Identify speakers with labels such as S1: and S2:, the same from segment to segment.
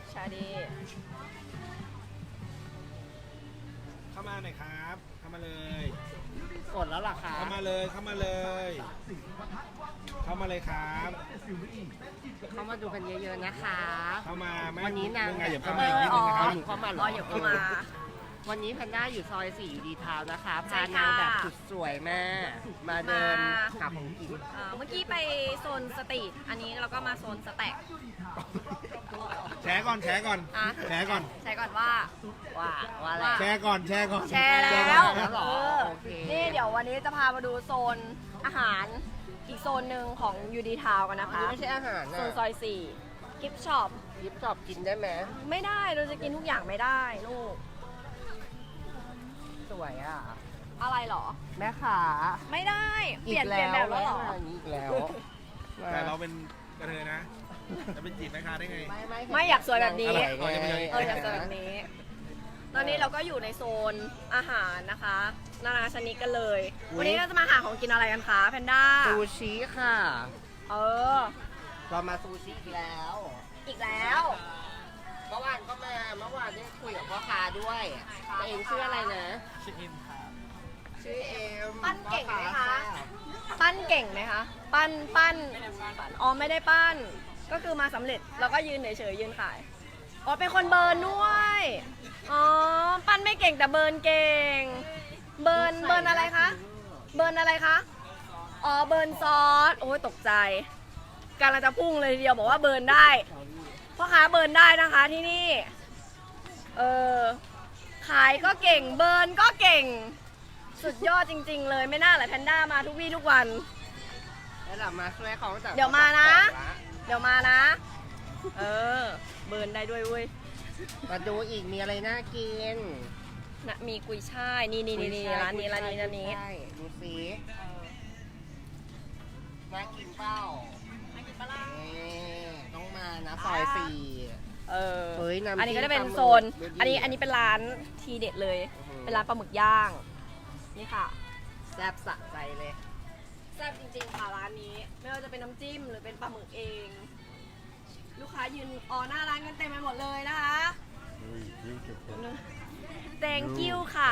S1: ชาดี
S2: เข้ามาหน่อยครับ เข้ามาเลย
S3: กดแล้วล่ะคะ
S2: เข้ามาเลย เข้ามาเลย เข้ามาเลยครับ
S3: เข้ามาดูกันเยอะๆนะคะ
S2: เข้ามาไหม
S3: วันนี้นาง
S2: ไงอย่าเข้ามาอีกนิดนึงนะครับ
S3: เข้ามาเหร
S1: อ๋ออย่าเข้ามา
S3: วันนี้แพนด้าอยู่ซอย4อยู่ดีทาวน์นะคะ
S1: ใช่
S3: พา
S1: ค่ะ
S3: นางแบบสุดสวยมาก มาเดินหาของกิน
S1: เมื่อกี้ไปโซนสตรีทอันนี้เราก็มาโซนสแต็ก
S2: แชร์ก่อน แชร์ก่อน
S1: อ่ะ
S2: แชร์ก่อน
S1: ใช้ก่อนว่า
S3: ว่าอะไร
S2: แชร์ก่อน แชร์ก่อน
S1: แชร์แล้ว
S3: แล้วเหรอ
S1: เออ
S3: โอเค
S1: นี่เดี๋ยววันนี้จะพามาดูโซนอาหารอีกโซนหนึ่งของยูดีทาวกันนะคะ
S3: นี่ไม่ใช่อาหาร
S1: โซ
S3: นะ
S1: นซอย4กิฟช็อป
S3: ยิบชอบกินได้ไหม
S1: ไม่ได้เราจะกินทุกอย่างไม่ได้ลูก
S3: สวยอ่ะ
S1: อะไรเหรอ
S3: แม่ขา
S1: ไม่ได้ เปลี่ยนแบบแล้วเหรอ
S3: อีกแล้ว
S2: แต่เราเป็นกระเทยนะ จะเป็นจีบแม่ค้าได้ไง
S1: ไม่อยากสวยแบบนี้
S2: อ๋อยังไม่ได้
S1: อยากสวยแบบนี้ ตอนนี้เราก็อยู่ในโซนอาหารนะคะนานาชนิดกันเลย วันนี้เราจะมาหาของกินอะไรกันคะแพนด้า
S3: ซูชิค่ะ
S1: เออ
S3: เรามาซูชิอีกแล้ว
S1: อีกแล้ว
S3: เมื่อวานก็มา เมื่อวานได้คุยกับพ่อค้าด้วยตัวเองชื่ออะไรนะ
S2: ชื่อเอ็มครับ
S3: ชื่อเอ็ม
S1: ปั้นเก่งไหมคะ ปั้นเก่งไหมคะ ปั้นอ๋อไม่ได้ปั้น ก็คือมาสำเร็จแล้วก็ยืนเฉยๆยืนขาย อ๋อเป็นคนเบิร์นด้วย อ๋อ ปั้นไม่เก่งแต่เบิร์นเก่ง เบิร์นอะไรคะ เบิร์นอะไรคะ อ๋อเบิร์นซอส โอ้ยตกใจกำลังจะพุ่งเลยทีเดียวบอกว่าเบิร์นได้พ่อค้าเบิร์นได้นะคะที่นี่ เออ ขายก็เก่ง เบิร์นก็เก่ง สุดยอดจริงๆเลยไม่น่าเลยแพนด้ามาทุกวี่ทุกวัน
S3: แล้วเรามาช่วยเขาจาก
S1: เดี๋ยวมานะ เดี๋ยวมานะ เออ เบิร์นได้ด้วยเว้ย
S3: มาดูอีกมีอะไรน่ากิน
S1: นะมีกุยช่ายนี่ร้านนี้ร้านนี้
S3: ใช่ดูสิน่ากินเปล่า
S1: น่ากินปะล่ะ
S3: ต้องมานะซอย4
S1: เออ
S3: เฮ้ยน้ำจิ้ม
S1: อันนี้ก็จะเป็นโซน
S3: ปลาหมึก
S1: อันนี้เป็นร้านทีเด็ดเลย
S3: อื้อหือ
S1: เป็นร้านปลาหมึกย่าง นี่ค่ะ
S3: แซ่บสะใจเลย
S1: แซ่บจริงๆค่ะร้านนี้ ไม่ว่าจะเป็นน้ำจิ้มหรือเป็นปลาหมึกเอง ลูกค้ายืนหน้าร้านกันเต็มไปหมดเลยนะคะ Thank you ค่ะ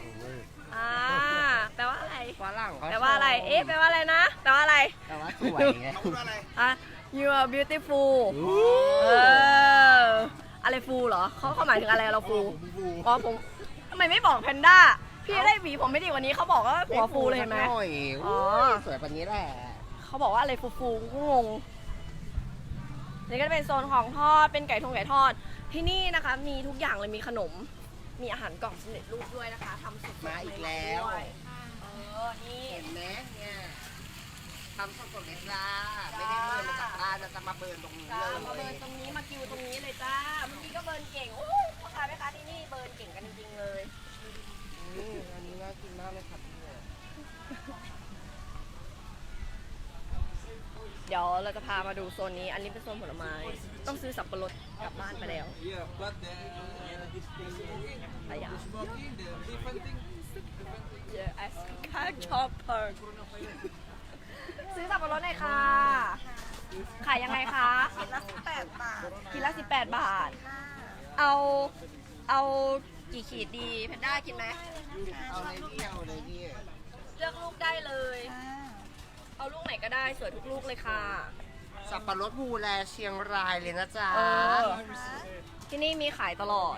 S1: แปลว่าอะไร
S3: ฝรั่งเขา
S1: แปลว่าอะไร เอ๊ะ แปลว่าอะไรนะ แปลว่าอะไร
S3: แต่ว่าสวยไง
S2: เขาพูดว่าอะไร
S1: อ่ะ you are beautiful เออ อะไรฟูเหรอ เขาหมายถึงอะไรเราฟู
S2: ผมฟู
S1: อ๋อผมทำไมไม่บอกแพนด้า พี่ได้หวีผมไม่ดีกวันนี้เขาบอกว่าหัวฟูเลยเห็นไหม
S3: สักน่อย
S1: อ๋อ
S3: สวยกว่านี้แหละ
S1: เขาบอกว่าอะไรฟูๆก็งง นี่ก็จะเป็นโซนของทอด เป็นไก่ทอด ที่นี่นะคะ มีทุกอย่างเลย มีขนม มีอาหารกล่องสำเร็จรูปด้วยนะคะทำสดๆ
S3: มาอีกแล้ว
S1: ด้วยนี่
S3: เห็นไหมเนี่ยทำสดๆเลยจ้าไม่ได้เบิร์นมาจากบ้านนะจะมาเบิร์นตรงนี้
S1: จ้า
S3: เลย
S1: มาเบิร์นตรงนี้ มาคิวตรงนี้เลยจ้า เมื่อกี้ก็เบิร์นเก่ง โอ้ยพ่อค้าแม่ค้าที่นี่เบิร์นเก่งกันจริงๆเลย
S3: อันนี้น่ากินมากเลยครับพี่
S1: เดี๋ยวเราจะพามาดูโซนนี้ อันนี้เป็นโซนผลไม้ ต้องซื้อสับปะรดกลับบ้านไปแล้วอะไรอย่าง Yeah, I can't chop her ซื้อสับปะรดหน่อยค่ะ ขายยังไงคะกินละ18 บาทกินละ18 บาท เอากี่ขีดดีแพนด้ากินไหม
S3: เอาเลยพี่เอาเลยพี่
S1: เลือกลูกได้เลย เอาลูกไหนก็ได้สวยทุกลูกเลยค่ะ
S3: สับปะรดภูแลเชียงรายเลยนะจ๊ะ
S1: เออ ที่นี่มีขายตลอด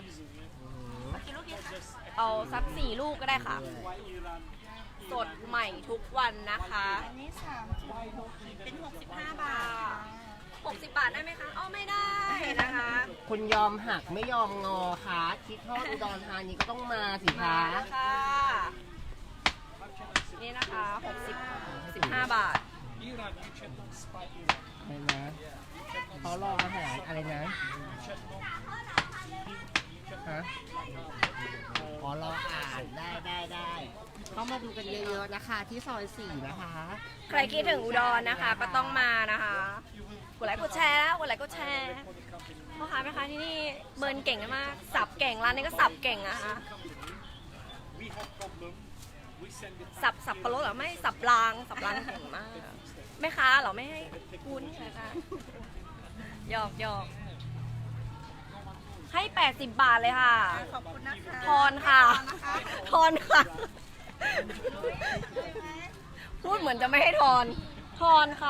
S1: เอาสัก4 ลูกก็ได้ค่ะ สดใหม่ทุกวันนะคะ
S4: อันนี้36เป็น65 บาท
S1: 60 บาทได้ไหมคะอ้อไม่ได้นะคะ
S3: คุณยอมหักไม่ยอมงอค่ะคิดทอดอุดรธานีก็ต้องมาสิ
S1: มา
S3: คะ
S1: แล้วค่ะ นี่นะคะ15 บาท
S3: เห็นไหมเขารออาหารอะไรนะฮะขอรออ่านได้เข้ามาดูกันเยอะๆนะคะ ที่ซอย4นะคะ
S1: ใครคิดถึงอุดรนะคะ ก็ต้องมานะคะ กดไลค์กดแชร์นะกดไลค์กดแชร์พ่อค้าแม่ค้าที่นี่เบิร์นเก่งมาก สับเก่งร้านนี้ก็สับเก่งนะคะ สับปะรดเหรอไม่สับรางเก่งมากแม่ค้าเหรอไม่ให้คุณนะคะหยอกให้ 80 บาทเลยค่ะ
S4: ขอบคุณนะคะ
S1: ทอนค่ะ ทอนค่ะ พูดเหมือนจะไม่ให้ทอน ทอนค่ะ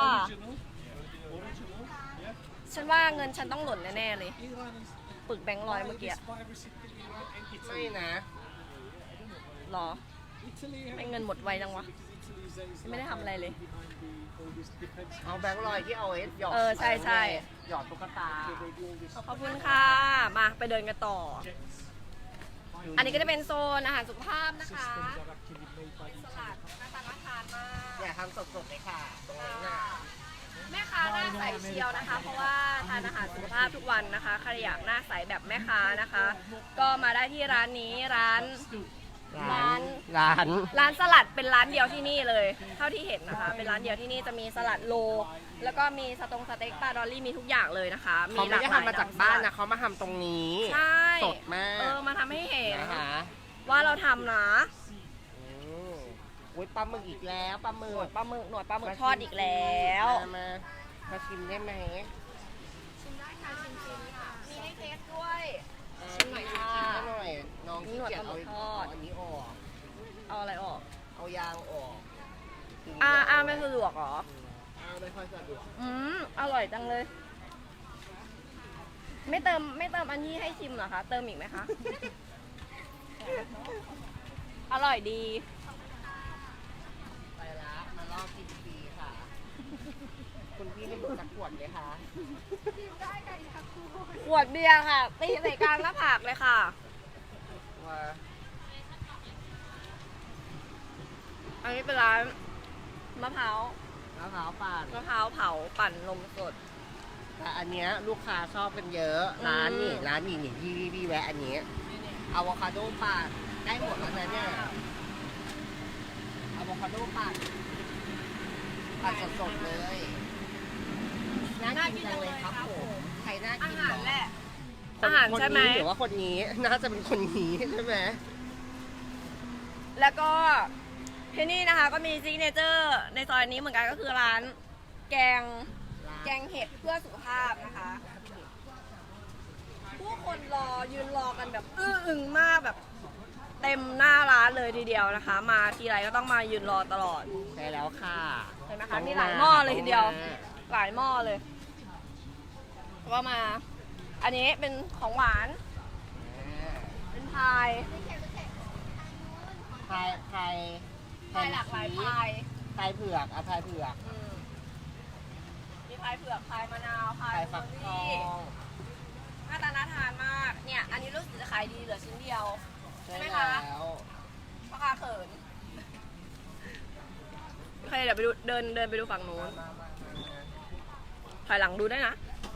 S1: ฉันว่าเงินฉันต้องหล่นแน่ๆเลย ปึกแบงค์ร้อยเมื่อกี้
S3: ไม่นะ
S1: หรอ ไม่เงินหมดไวจังวะ ไม่ได้ทำอะไรเลย
S3: เอาแบงค์ลอยที่เอาไว้หยอด
S1: ใช่ใช่
S3: หยอดตุ๊กตา
S1: ขอบคุณค่ะ มาไปเดินกันต่อ อันนี้ก็จะเป็นโซนอาหารสุขภาพนะคะสลัดน่าทานมาก
S3: อย่าทำสดๆเลยค่ะตรงนั้นน่ะ
S1: แม่ค้าหน้าใสเชียวนะคะ เพราะว่าทานอาหารสุขภาพทุกวันนะคะใครอยากหน้าใสแบบแม่ค้านะคะ ก็มาได้ที่ร้านนี้ร้าน ร้านสลัดเป็นร้านเดียวที่นี่เลย เท่าที่เห็นนะคะ เป็นร้านเดียวที่นี่จะมีสลัดโล แล้วก็มีสเต็กปลาดอลลี่มีทุกอย่างเลยนะคะ
S3: เขาไม่ได้ทำมาจากบ้านนะเขามาทำตรงนี้
S1: ใช่
S3: สดมาก
S1: มาทำให้เห็น
S3: นะคะ
S1: ว่าเราทำนะ
S3: อุ้ยปลาหมึกอีกแล้วปลาหมึ
S1: หนว
S3: ก
S1: ดปลาหมึกทอดอีกแล้ว
S3: มาชิมได้ไหม
S1: ชิมได้ค่ะชิมค่ะมีให้เทสด้วยชิมหน่อยค่ะ
S3: ชิมหน่อยน้องขี้เกียจเอา
S1: หนวดปลาหมึกทอด
S3: อันนี้ออก
S1: เอาอะไรออก
S3: เอายางออก
S1: ไม่สะดวกเหรอ
S3: ไม่ค่อยสะดวก
S1: อร่อยจังเลย ไม่เติมอันนี้ให้ชิมเหรอคะ เติมอีกไหมคะ อร่อยดี
S3: ไปละมารอบกินฟรีค่ะ คุณพี่ให้ดูสักขวดเลยค่ะ
S1: ขวดเบียร์ค่ะ ตีใส่กลางหน้าผากเลยค่ะ
S3: ว่า
S1: อันนี้เป็นร้านมะพร้าว
S3: มะพร้าวปั่น
S1: มะพร้าวเผาปั่นนมสด
S3: แต่อันเนี้ยลูกค้าชอบกันเยอะ
S1: อืม
S3: ร้านนี่พี่แวะอันนี้อะโวคาโดปั่นได้หมดแล้วนะเนี่ยอะโวคาโดปั่นสดๆเลยน่ากินจังเลยครับผมใครน่า
S1: อา
S3: กิน
S1: หาร
S3: เร
S1: แหละ
S3: คน
S1: อาหารใช่ไหม
S3: คนนี้หรือว่าคนนี้น่าจะเป็นคนนี้ใช่ไหม
S1: แล้วก็ที่นี่นะคะก็มีซิกเนเจอร์ในซอยนี้เหมือนกันก็คือร้านแกงเห็ดเพื่อสุขภาพนะคะ ผู้คนยืนรอกันแบบอึ้งมากแบบเต็มหน้าร้านเลยทีเดียวนะคะ มาทีไรก็ต้องมายืนรอตลอด
S3: ใช่แล้วค่ะ
S1: เห็นไหมคะมีหลายหม้อเลยทีเดียว หลายหม้อเลยแล้วก็มา อันนี้เป็นของหวาน เป็นพาย
S3: พาย
S1: พายหลากหลายพาย
S3: พายเผือกพายเผือก
S1: มีพายเผือกพายมะนาวพาย
S3: พายฟักทอง
S1: หน้าตาน่าทานมาก เนี่ย อันนี้รู้สึกจะขายดีเหลือชิ้นเดียว ใช่ไหม
S3: แล้
S1: คะ
S3: ว
S1: ราคาเขินโอเคเดี๋ยวไปดูเดินไปดูฝั่งนู้นถอยหลังดูได้นะ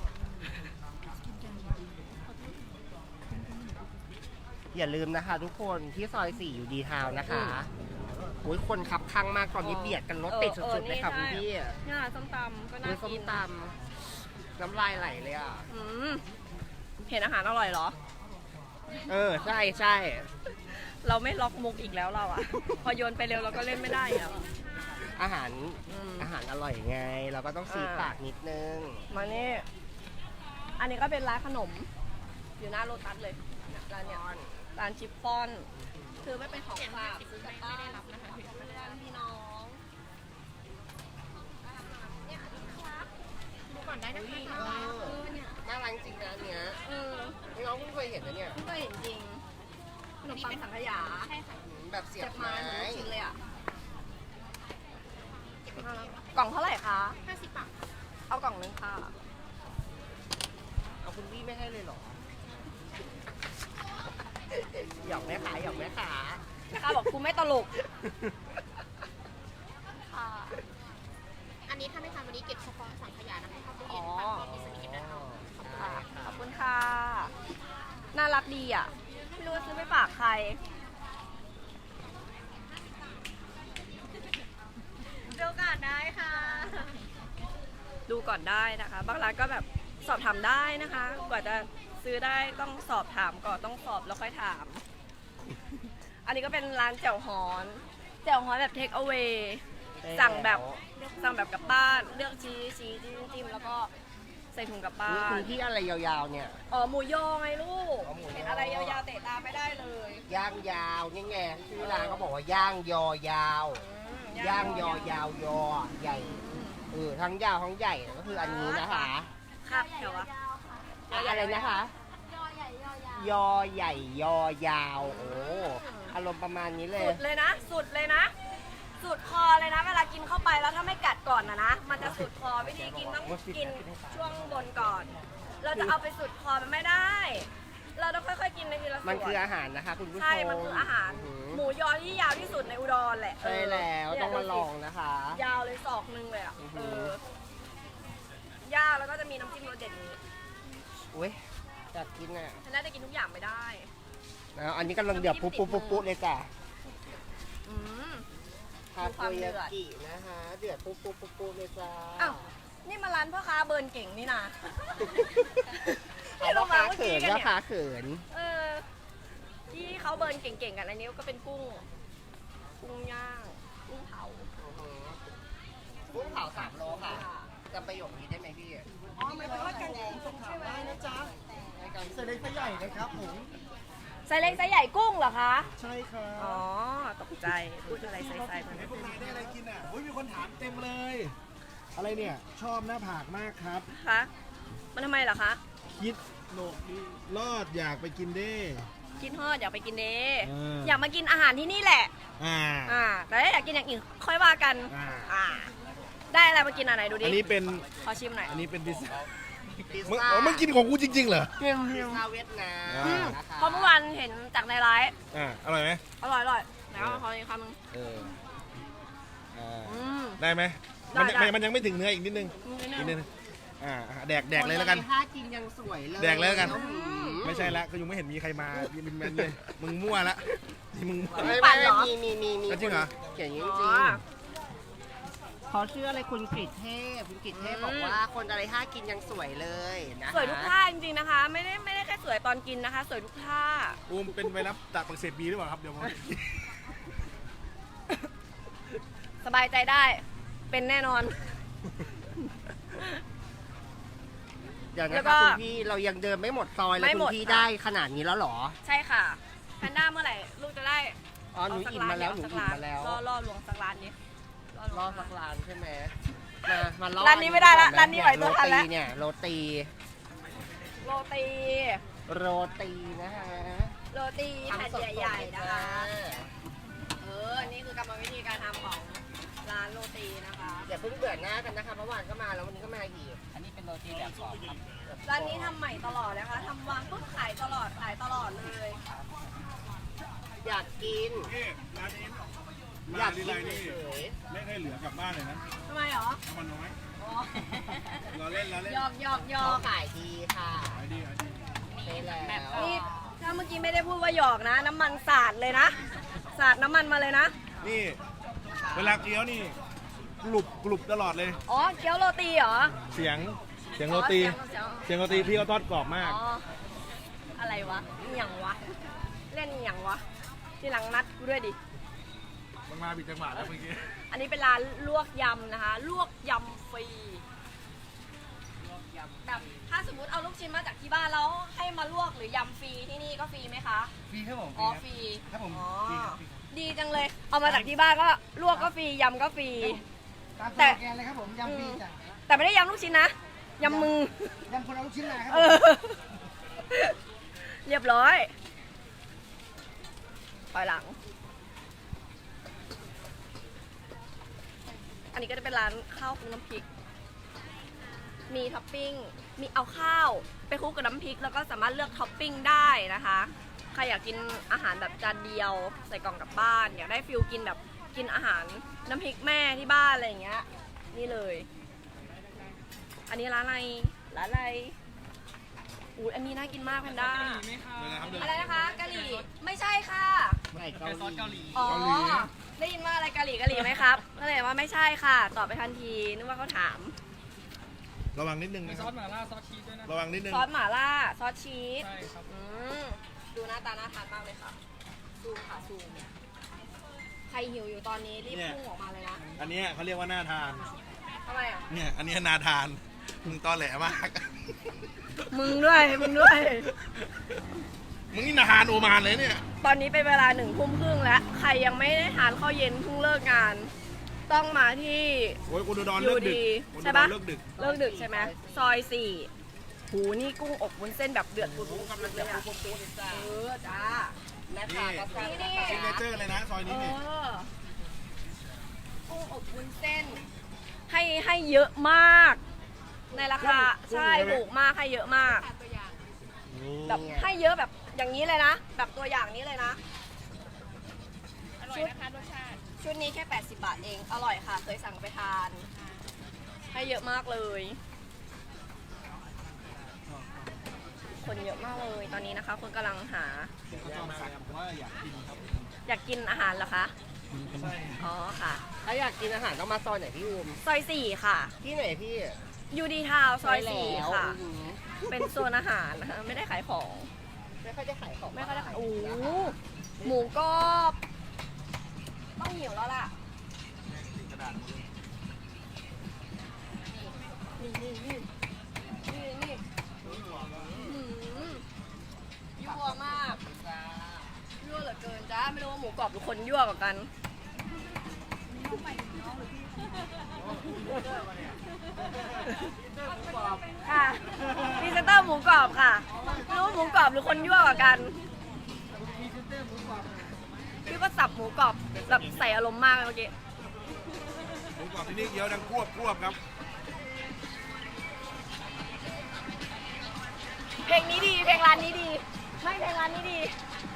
S3: อย่าลืมนะคะทุกคนที่ซอย4อยู่ดีทาวน์นะคะโอ้ยคนขับข้างมากตอนนี้เบียดกันรถติดสุดๆเลยค่ะคุณพี่
S1: นี่ร้านส้มตำก็น่า
S3: ดูส้ม
S1: กิน
S3: ตำน้ำลายไหลเลยอ่ะ
S1: เห็นอาหารอร่อยเหรอ
S3: ใช่
S1: เราไม่ล็อกมุกอีกแล้วเราอะ พอโยนไปเร็วเราก็เล่นไม่ได้แล้ว
S3: อาหาร
S1: อืม
S3: อาหารอร่อยไง เราก็ต้องซีปากนิดนึง
S1: มานี่ อันนี้ก็เป็นร้านขนม อยู่หน้าโลตัสเลยเนี่ยร้านเนี้ยร้านชิปฟอน คือไม่เป็นของฝากซื้อกลับบ้านไม่ได้รับนะคะไม่ได้รับพี่น้องเนี่ยอันนี้ครับดูก่อนได้นะคะ
S3: น่ารักจริงนะอันเนี้ย
S1: เออ
S3: นี่น้องเพิ่งเคยเห็นนะเนี่ย
S1: เพิ่งเคยเห็นจริงขนมปังสังขยา
S3: แบบเสีย
S1: เจ็
S3: บบ ไม้
S1: ไม้เหมือนลูกชิ้นเลยอ่ะกล่องเท่าไหร่คะ50 บาทเอากล่องนึงค่ะ
S3: เอาคุณพี่ไม่ให้เลยเหรอ หยอกแม่ขาหยอกแม่ขา
S1: นะคะบอกคุณไม่ตลกค่ะ
S4: อันนี้ถ้าไม่ทำวันนี้เก็บเฉพาะสังขยานะคะเข้าตู้
S1: อ๋
S4: เย็
S1: อ
S4: นค่ะมีสนิทนะคะ
S1: ค่ะขอบคุณค่ะ น่ารักดีอ่ะ ไม่รู้ว่าซื้อไปฝากใคร ดูก่อนได้ค่ะ ดูก่อนได้นะคะ บางร้านก็แบบสอบถามได้นะคะ กว่าจะซื้อได้ต้องสอบถามก่อนต้องสอบแล้วค่อยถาม อันนี้ก็เป็นร้านแจ่วฮอนแบบเทคเอา a y สั่งแบบกลับบ้านเลือกชี้จิ้มแล้วก็ใส่ถุงกลับบ้า
S3: นี่คุ
S1: น
S3: ณพี่อะไรยาวๆเนี่ย
S1: อ๋อหมูยอไงลูก
S3: อ๋อหมูยอ
S1: เห็นอะไรยาวๆเตะตาไม่ได้เลย
S3: ย่างยาวนี่ไงชื่อร้านเขาบอกว่าย่างยอยาว ย่างยอยาวยอใหญ่ทั้งยาวทั้งใหญ่ก็คืออันนี้นะคะ
S1: ครับเดี๋ยววะ
S3: อะไรนะคะ ยอใหญ่ยอยาวโอ้อารมณ์ประมาณนี้เลย
S1: สุดเลยนะ สุดเลยนะ สุดคอเลยนะ เวลากินเข้าไปแล้วถ้าไม่กัดก่อนนะ มันจะสุดคอวิธีกินต้องกินช่วงบนก่อน เราจะเอาไปสุดคอมันไม่ได้ เราต้องค่อยๆกินในทีละส่วน
S3: มันคืออาหารนะคะคุณผู้ชม
S1: ใช่ มันคืออาหาร หมูยอที่ยาวที่สุดในอุดรแหละ
S3: ใช่แล้ว
S1: เนี่ย
S3: ต้องมาลองนะคะ
S1: ยาวเลยศอกนึงเลยอ่ะ ยาวแล้วก็จะมีน้ำจิ้มรสเด็ดนี้
S3: อุ้ยอยากกินอ่ะ
S1: ฉันน่าจะกินทุกอย่างไม่ได้
S3: แล้วอันนี้กำลังเดือดปุ๊บปุ๊บปุ๊บปุ๊บเลยจ้ะ
S1: อืม
S3: ทา
S1: ดูควา
S3: โก
S1: มเดื
S3: ยา
S1: อด
S3: กินะคะเดือดปุ๊บปุ๊บปุ๊บปุ๊บเลยจ้า
S1: อ้าว นี่มาร้านพ่อค้าเบิร์นเก่งนี่นะ
S3: เอาพ่อค้าเขินพ่อค้าเขิน
S1: ที่เขาเบิร์นเก่งๆกันอันนี้ก็เป็นกุ้งย่าง กุ้งเผา
S3: กุ้งเผา3 โลค่ะจำประโยคนี้ได้ไหมพี่
S1: อ๋อหมายถึงว่ากันใช่ไหม
S3: เสร็จเลยไซส์ใหญ่นะครับผม
S1: ไซส์เล็กไซส์ใหญ่กุ้งเหรอคะ
S2: ใช่ครับ
S1: อ๋อ ตกใจ พูดอะไรไซส์ๆมัน
S2: พวกนายได้อะไรกินอ่ะมีคนถามเต็มเลย อะไรเนี่ย ชอบหน้าผากมากครับ
S1: คะ มันทำไมเหรอคะ
S2: คิดโหนกดีรอดอยากไปกินเด้
S1: กินฮอดอยากไปกินเด้
S2: อ
S1: อยากมากินอาหารที่นี่แหละ แต่ถ้าอยากกินอย่างอื่นค่อยว่ากัน ได้อะไรมากินอะไรดูดิ
S2: อันนี้เป็น
S1: ขอชิมหน่อย
S2: อันนี้เป็นพิซซ่า
S3: พิซ
S2: มึง
S3: ซ่า
S2: อ๋อมึงกินของกูจริงๆเหรอ
S3: พิซซ่าเวียดนาม
S2: อืม
S3: นะคะ
S1: เพราะเมื่อวานเห็นจากในไลฟ์
S2: อร่อยไหม
S1: อร่อยไหนเอาขออีกคำนึง
S2: ได้ไหม
S1: ได้
S2: มันยังไม่ถึงเนื้ออีกนิดนึง อีกนิดนึงแดกเลยแล้วกัน
S3: ถ้ากินยังสวยเลย
S2: แดกเลยแล้วกัน
S3: อื้อหือ
S2: ไม่ใช่ละก็ยังไม่เห็นมีใครมาเป็นแมนเลย มึงมั่วละที่มึงมั่ว
S3: ไม่
S1: ปั่นเหรอ
S3: มี
S2: จริงเหรอ
S3: เขียนอย่างนี้
S1: อ๋
S3: จริง
S1: อ
S3: เขาชื่ออะไรคุณกฤษเทพคุณกฤษเทพบอกว่าคนอะไรถ้ากินยังสวยเลยนะคะ
S1: สวยทุกท่าจริงๆนะคะ ไม่ได้แค่สวยตอนกินนะคะ สวยทุกท่า
S2: อูมเป็นไวรัสตับอักเสบบีหรือเปล่าครับเดี๋ยวผม
S1: สบายใจได้ เป็นแน่นอน
S3: เดี๋ยว
S1: แล้
S3: นะ
S1: วก็
S3: คะคุณพี่เรายังเดินไม่หมดซอยแล้ว
S1: ไม่
S3: คุ
S1: หม
S3: ณ
S1: ด
S3: พี่
S1: ค่ะ
S3: ได้ขนาดนี้แล้วเหรอ
S1: ใช่ค่ะแพนด้าเมื่อไหร่ลูกจะได้
S3: อ๋อหนูอิ่มมาแล้วหนูอิ่มมาแล้ว
S1: ล่อลวงสักร้านนี้
S3: รอสักร้านใช่ไหมมาล่อ
S1: ร้านนี้ไม่ได้ละ
S3: ก่อ
S1: ร้านนี้ไหวตัวทันแล้ว
S3: เนี่ยโรตี
S1: โรตี
S3: โรตีนะคะ
S1: โรตีแผ่น
S3: ทำสดๆ
S1: ใหญ่ๆนะคะ
S3: เลยจ้า
S1: นี่คือกรรมวิธีการทำของร้านโรตีนะคะ
S3: อย่าเพิ่งเบื่อหน้ากันนะคะเมื่อวานก็มาแล้ววันนี้ก็มาอีก อันนี้เป็นโรตีแบบกรอบครับ
S1: ร้านนี้ทำใหม่ตลอดนะคะทำวางปุ๊บขายตลอดเลย
S3: อยากกิน
S2: นี่ร้านนี้
S3: อยาก
S2: ที
S3: กิน
S2: ไรนี่
S3: เฉย
S2: ไม่เคยเหลือกลับบ้านเลยนะ
S1: ทำไมเหรอ
S2: น้ำมันน้อย
S1: อ๋อ
S2: รอเล่น
S1: หยอกหยอก
S3: ๆ
S1: หย
S3: เขา
S1: อก
S3: ขายดีค่ะ
S2: ขายดีขายดี
S3: ใช่แล้ว
S1: นี่ถ้าเมื่อกี้ไม่ได้พูดว่าหยอกนะ น้ำมันสาดเลยนะ สาดน้ำมันมาเลยนะ
S2: นี่เวลาเคี้ยวนี่กรุบตลอดเลย
S1: อ๋อเกี๊ยวโรตีเหรอ
S2: เสียงโรตี เสียงโรตีพี่เขาทอดกรอบมาก
S1: อ๋ออะไรวะอหย่างวะ เล่นอหย่างวะ ทีหลังนัดกูด้วยดิ
S2: มันมาผิดจังหวะแล้วเมื่อกี้
S1: อันนี้เป็นร้านลวกยำนะคะ ลวกยำฟรีแบบถ้าสมมุติเอาลูกชิ้นมาจากที่บ้านแล้วให้มาลวกหรือยำฟรีที่นี่ก็ฟรีไหมคะ
S2: ฟรีครับผม
S1: อ๋อฟรี
S2: ครับผม
S1: อ๋อ
S2: ฟรีครับ
S1: ดีจังเลย เอามาจากที่บ้านก็ลวกก็ฟรียำก็ฟรี แต่
S3: แกนเลยครับผมยำฟรีจ้ะ
S1: แต่ไม่ได้ยำลูกชิ้นนะ ยำมือ
S3: ยำคนเอาลูกชิ้นมาครับ
S1: เออ เรียบร้อยปล่อยหลัง อันนี้ก็จะเป็นร้านข้าวคลุกน้ำพริก มีท็อปปิ้ง มีเอาข้าวไปคลุกกับน้ำพริก แล้วก็สามารถเลือกท็อปปิ้งได้นะคะ ใครอยากกินอาหารแบบจานเดียวใส่กล่องกลับบ้าน อยากได้ฟิลกินแบบกินอาหารน้ำพริกแม่ที่บ้านอะไรอย่างเงี้ย นี่เลย อันนี้ร้านอะไร ร้านอะไรอู้อันนี้น่ากินมากแพนด้า อะไรนะคะกะหรี่ ไม่ใช่ค่ะ
S3: ไก่เกาหลี
S1: อ๋อ ได้ยินว่าอะไรกะหรี่ไหมครับ ก็เลยว่าไม่ใช่ค่ะ ตอบไปทันที นึกว่าเขาถาม
S2: ระวังนิดนึงนะค
S5: ซ
S2: รั
S5: อบ สหม่าล่าซอสชีสด้วยนะ
S2: ระวังนิดนึง
S1: ซอสหม่าล่า ซอสชีส
S5: ใช่ครับ
S1: ดูหน้าตาน่าทานมากเลยค่ะ ซูมค่ะซูม ใครหิวอยู่ตอนนี้รีบพุ่งออกมาเลยนะ
S2: อันเนี้ยเขาเรียกว่าน่าทาน
S1: ทำไมอ่ะ
S2: เนี่ย อันเนี้ยน่าทาน
S5: มึงตอแหลมาก
S1: มึงด้วย มึงด้วย
S5: มึงนี่นาฮานโอมานเลยเนี่ย
S1: ตอนนี้เป็นเวลา1:30แล้ว ใครยังไม่ได้ทานข้าวเย็นเพิ่งเลิกงาน ต้องมาที่
S5: โอ้ยอุดร
S1: ยู
S5: เลิกดึก
S1: ดี
S5: อุด
S1: ใช่
S5: ร
S1: ปะ
S5: เลิกดึก
S1: เลิกดึกใช่ไหมซอย4หูนี่กุ้งอบวุ้นเส้นแบบเดือดปุดๆเลยอะจ้า
S3: แม่ค้าก็สั่ง
S1: นี่
S5: ซิกเนเจอร์เลยนะซอยนี้นี่
S1: กุ้งอบวุ้นเส้น ให้เยอะมาก ในราคาใช่ถูกมากให้เยอะมาก แบบให้เยอะแบบอย่างนี้เลยนะ แบบตัวอย่างนี้เลยนะ
S4: อร่อยนะคะรสชาติ
S1: ชุดนี้แค่ 80 บาทเอง อร่อยค่ะ เคยสั่งไปทาน ให้เยอะมากเลย คนเยอะมากเลย ตอนนี้นะคะ คนกำลังหา อยากกินอาหารเหรอคะ อ๋อค่ะ
S3: ถ้าอยากกินอาหารต้องมาซอยไหนพี่อุ้ม
S1: ซอย4ค่ะ
S3: ที่ไหนพี่
S1: ยูดีทาวซอย
S3: แล้ว
S1: 4ค่ะ
S3: อืม
S1: เป็นโซนอาหารนะคะ ไม่ได้ขายของ
S3: ไม่ค่อยได้ขายของ
S1: ไม่ค่อยได้ขายโอ้โหหมูกรอบ ต้องหิวแล้วล่ะ นี่นี่นี่นี่นี่ยั่วมากยั่วเหลือเกินจ้า ไม่รู้ว่าหมูกรอบหรือคนยั่วกว่ากัน ค่ะพรีเซนเตอร์หมูกรอบค่ะไม่รู้ว่าหมูกรอบหรือคนยั่วกว่ากันพี่ก็สับหมูกรอบแบบใส่อารมณ์มากเลยเมื่อกี้
S5: หมูกรอบที่นี่เคี้ยวดังควบครับ
S1: เพลงนี้ดี เพลงร้านนี้ดีไม่เพลงร้านนี้ดี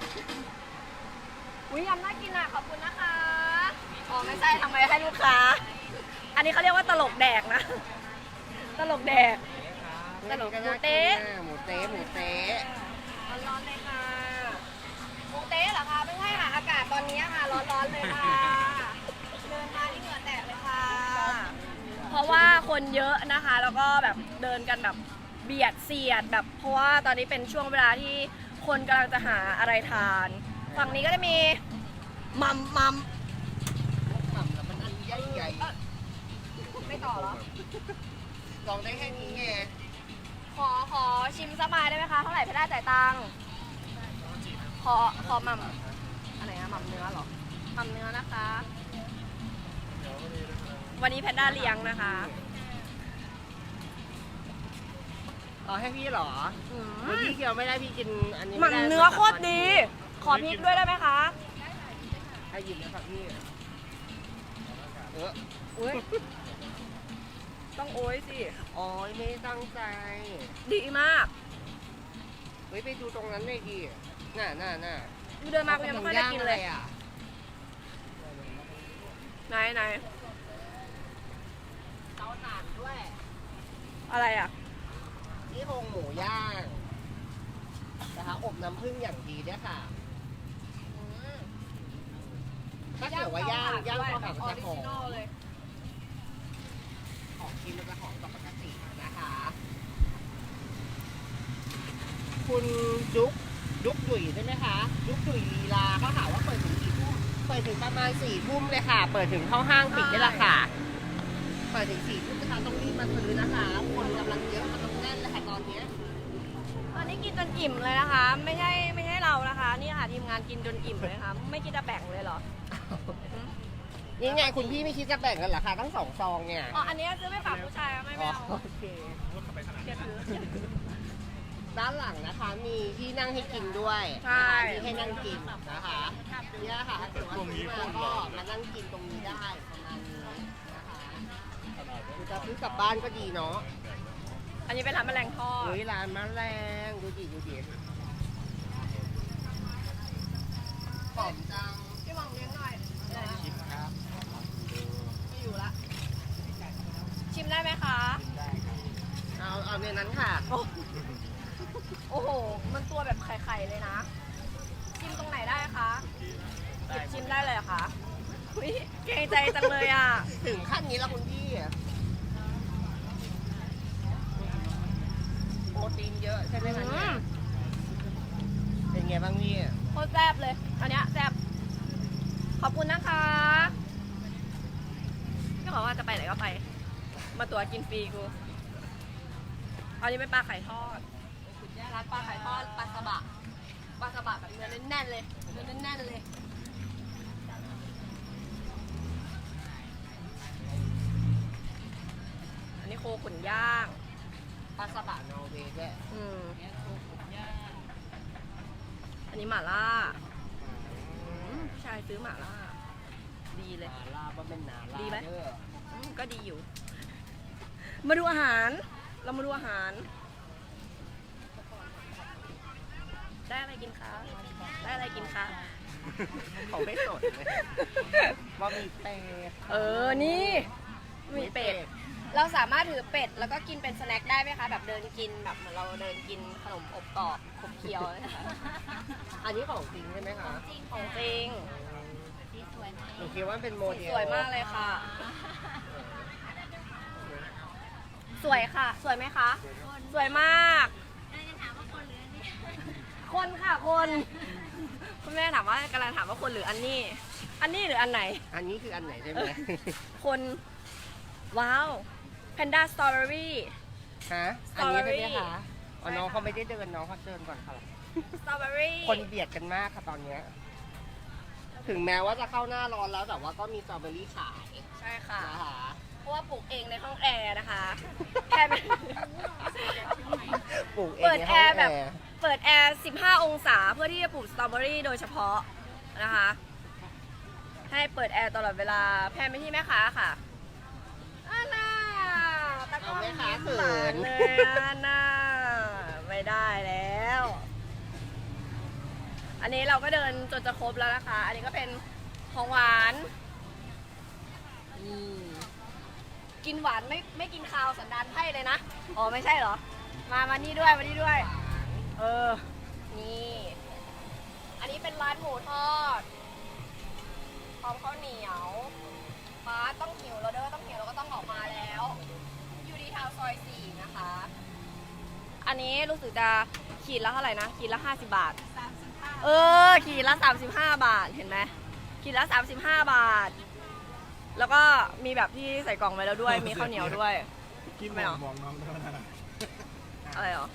S1: อุ้ยยำน่ากินอ่ะ ขอบคุณนะคะอ๋อไม่ใช่ทำไมให้ลูกค้า อันนี้เขาเรียกว่าตลกแดกนะ ตลกแดก ตลกหมูเต๊ะ
S3: หมูเต๊ะหมูเต๊ะ
S1: ร้อนๆเลยค่ะหมูเต๊ะเหรอคะไม่ใช่ค่ะ อากาศตอนนี้ค่ะ ร้อนๆเลยค่ะ เดินมาที่เหงื่อแตกเลยค่ะ เพราะว่าคนเยอะนะคะ แล้วก็แบบเดินกันแบบเบียดเสียดแบบ เพราะว่าตอนนี้เป็นช่วงเวลาที่คนกำลังจะหาอะไรทาน ฝั่งนี้ก็จะมีมัม
S3: หม่ำแล้วมันอันใหญ่ใหญ่
S1: ไม่ต่อเหรอ
S3: ลองได้แค่นี้ไง
S1: ขอชิมสักไม้ได้ไหมคะ เท่าไหร่พี่ได้จ่ายตังค์ขอหม่ำอะไรนะหม่ำเนื้อเหรอหม่ำเนื้อนะคะ วันนี้แพนด้าเลี้ยงนะคะ
S3: เอาให้พี่เหรอ
S1: อืม
S3: พี่เคี้ยวไม่ได้พี่กินอันนี้
S1: หม่ำเนื้อโคตรดี ขอพริกด้วยได้ไหมคะ
S3: ให้หยิบนะครับพี่เออ
S1: อุ้ยต้องโอ้ยสิ
S3: อ๋อไม่ได้ตั้งใจ
S1: ดีมาก
S3: เฮ้ยไปดูตรงนั้นเลยดิน่ะ
S1: กูเดินมากูยังไม่ค่อยได้กินเลย
S3: อ่ะ
S1: ไหน
S3: เตาถ่านด้วย
S1: อะไรอ่ะ
S3: นี่โครงหมูย่างนะคะอบน้ำผึ้งอย่างดีด้วยค่ะ ถ้าเกิดว่าย่างก็แบบจะหอม
S1: เลย
S3: ของกินมันจะหอมกว่าปกตินะคะ คุณดุ๊กดุ๋ยใช่ไหมคะดุ๊กดุ๋ยลีลาเขาถามว่าเปิดถึงกี่ทุ่มเปิดถึงประมาณ4 ทุ่มเลยค่ะ เปิดถึงเข้าห้างปิดนี่แหละค่ะ เปิดถึง4 ทุ่มนะคะต้องรีบมาซื้อนะคะ คนกำลังเยอะมันต้องแน่นเลยค่ะตอนเนี้ย
S1: ตอนนี้กินจนอิ่มเลยนะคะ ไม่ใช่เรานะคะ นี่ค่ะทีมงานกินจนอิ่มเลยค่ะ ไม่คิดจะแบ่งเลยเหรอ
S3: นี่ไงคุณพี่ไม่คิดจะแบ่งกันเหรอคะทั้ง2 ซองเนี่ย
S1: อ๋อ อันนี้ซื้อไปฝากผู้ชายไม่
S3: อ๋อ
S1: เอา
S3: โอเค
S1: เดี๋ยวถือ
S3: ด้านหลังนะคะมีที่นั่งให้กินด้วย
S1: ใช่
S3: มีให้นั่งกินนะคะเนี่ยค่ะถ้าเกิดว่าซื้อมาก็มานั่งกินตรงนี้ได้ประมาณนี้นะคะคือจะซื้อกลับบ้านก็ดีเนาะ
S1: อันนี้เป็นร้านแมลงทอด
S3: เฮ้ยร้านแมลงดูดิหอมจัง
S1: พี่หมองเลี้ยงหน่อยชิมครับไม่อยู่ละ ชิมได้ไหมคะ
S3: เอาในนั้นค่ะ
S1: โอ้โห มันตัวแบบไข่ๆเลยนะ ชิมตรงไหนได้คะหยิบชิมได้เลยเหรอคะอุ๊ยเกรงใจจังเลยอ่ะ
S3: ถึงขั้นนี้แล้วคุณพี่โปรตีนเยอะใช่ไหมคะเนี่ยเป็นไงบ้างพี่
S1: โคตรแซ่บเลย อันเนี้ยแซ่บ ขอบคุณนะคะพี่บอกว่าจะไปไหนก็ไป มาตัวกินฟรีกูอันนี้เป็นปลาไข่ทอดร้านปลาไข่ทอดปลาสบะแบบเนื้อแน่นๆเลยเนื้อแน่นๆเลยอันนี้โคขุนย่าง
S3: ปลาสบะนอร์เวย์ด้วย
S1: อันนี้หม่าล่าผู้ชายซื้อหม่าล่าดีเลย
S3: นาลาบะเป็นนาลา
S1: ดีไหม
S3: เด้อ
S1: ก็ดีอยู่ มาดูอาหาร เรามาดูอาหาร ได้อะไรกินคะ ได้อะไรกินคะ
S3: เขาไม่สดเลยว่ามีเป็ด
S1: นี่มีเป็ด เราสามารถถือเป็ดแล้วก็กินเป็นสแน็คได้ไหมคะ แบบเดินกินแบบเหมือนเราเดินกินขนมอบกรอบขบเคี้ยวนะคะ
S3: อันนี้ของจริงใช่ไหมคะ
S1: ของจริง
S3: หนูคิดว่าเป็นโมเดล
S1: สวยมากเลยค่ะ สวยค่ะ สวยไหมคะ สวยมากคนค่ะ คนคุณแม่ถามว่ากำลังถามว่าคนหรืออันนี้ อันนี้หรืออันไหน
S3: อันนี้คืออันไหนใช่ไหม
S1: คน ว้าวแพนด้าสตรอเบอรี่
S3: ฮะ อันนี้ใช่ไหมคะอ๋อน้องเขาไม่ได้เดินน้องเขาเดินก่อนค่ะ
S1: สตรอเบอรี่
S3: คนเบียดกันมากค่ะตอนเนี้ยถึงแม้ว่าจะเข้าหน้าร้อนแล้วแต่ว่าก็มีสตรอเบอรี่ขาย
S1: ใช่ค่ะ
S3: นะคะ
S1: เพราะว่าปลูกเองในห้องแอร์นะคะแค่เป็น
S3: ปลูกเอง
S1: เปิด
S3: ใน
S1: แอ
S3: ห้อง
S1: ร์แบบ เปิดแอร์ 15 องศาเพื่อที่จะปลูกสตรอเบอรี่โดยเฉพาะนะคะ ให้เปิดแอร์ตลอดเวลาแพนไปที่แม่ค้าค่ะอาน่าตะกร้อ
S3: เอาแม่ค้า
S1: ยิ้ม
S3: เขิ
S1: หวาน
S3: น
S1: เลยอาน่าไม่ได้แล้ว อันนี้เราก็เดินจนจะครบแล้วนะคะ อันนี้ก็เป็นของหวานกินหวานไม่กินคาวสันดานไพร่เลยนะ อ๋อไม่ใช่เหรอ มานี่ด้วย มานี่ด้วย นี่ อันนี้เป็นร้านหมูทอด พร้อมข้าวเหนียวป้าต้องหิวแล้วเด้อ ต้องหิวแล้วก็ต้องออกมาแล้ว อยู่ที่ทาวน์ซอย 4 นะคะ อันนี้รู้สึกจะขีดละเท่าไหร่นะ ขีดละ 50 บาท ขีดละ 35 บาท เห็นไหมขีดละ 35 บาท แล้วก็มีแบบที่ใส่กล่องไว้แล้วด้วย มีข้าวเหนียวด้วย
S2: กิน
S1: ไม่
S2: บ
S1: หร
S2: อ
S1: อ
S2: กบอกน้องด้วยนะ
S1: อะไรหรอ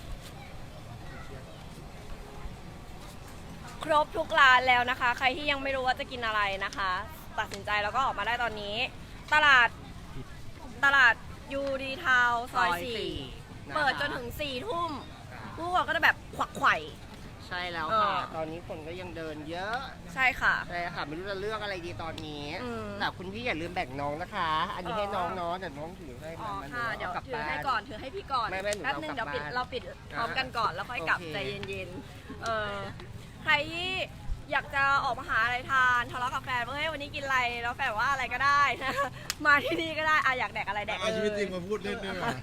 S1: ครบทุกร้านแล้วนะคะ ใครที่ยังไม่รู้ว่าจะกินอะไรนะคะ ตัดสินใจแล้วก็ออกมาได้ตอนนี้ ตลาดยูดีทาวซอย 4 เปิดจนถึง 4 ทุ่มผู้คนก็จะแบบขวักไขว่
S3: ใช่แล้วค่ะ ตอนนี้คนก็ยังเดินเยอะ
S1: ใช่ค่ะ
S3: ใช่ค่ะไม่รู้จะเลือกอะไรดีตอนนี้
S1: อืม
S3: แต่คุณพี่อย่าลืมแบ่งน้องนะคะ อันนี้ให้น้องเนาะแต่น้องถือให้
S1: อ๋อ
S3: มัน
S1: ค่ะ เดี๋ยว
S3: กลับ
S1: ถือ
S3: บ้าน
S1: ให้ก่อน ถือให้พี่ก่อน
S3: ไม่หนู
S1: แป๊บนึง
S3: เอากลั
S1: เดี๋ยว
S3: บบ้าน
S1: เราปิดพร้อมกันก่อนแล้วค่อยกลับ
S3: โอเค
S1: ใจเย็นๆ ใครที่อยากจะออกมาหาอะไรทานทะเลาะกับแฟนว่าเฮ้ยวันนี้กินอะไรแล้วแฟนบอกว่าอะไรก็ได้นะ มาที่นี่ก็ได้อยากแดกอะไรแดกเล
S2: เอาชีวิตจริง
S1: ย
S2: มาพูดเล่นด้วยว่ะ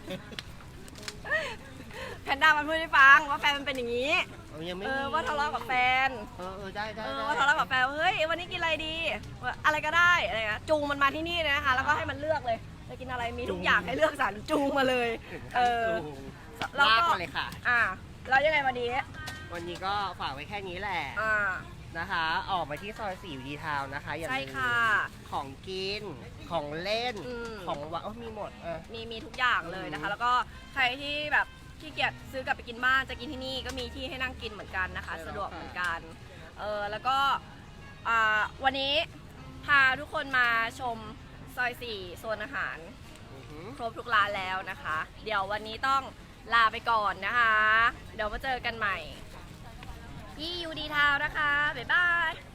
S1: แพนด้ามันพูดให้ฟังว่าแฟนมันเป็นอย่างนี้
S3: ยังไม่
S1: ว่าทะเลาะกับแฟน
S3: ได้
S1: ว่าทะเลาะกับแฟนว่าเฮ้ยวันนี้กินอะไรดีว่าอะไรก็ได้อะไรนะจูงมันมาที่นี่เลยนะคะ แล้วก็ให้มันเลือกเลยจะกินอะไรมีทุกอย่างให้เลือกสรรจูงมาเลย แล้ว
S3: ลาก
S1: ก็
S3: มาเลยค่ะ
S1: แล้วยังไงวันนี้
S3: วันนี้ก็ฝากไว้แค่นี้แหละ นะคะ ออกมาที่ซอย4อยู่ดีทาวน์นะคะอย่า
S1: ใช่
S3: ลืม
S1: ค่ะ
S3: ของกินของเล่น ของหวานมีหมด
S1: มีทุกอย่างเลยนะคะ แล้วก็ใครที่แบบขี้เกียจซื้อกลับไปกินบ้านจะกินที่นี่ก็มีที่ให้นั่งกินเหมือนกันนะคะ สะดวกเหมือนกันแล้วก็วันนี้พาทุกคนมาชมซอย 4 โซนอาหาร ครบทุกร้านแล้วนะคะ เดี๋ยววันนี้ต้องลาไปก่อนนะคะ เดี๋ยวมาเจอกันใหม่ที่ยูดีทาวนะคะบ๊ายบาย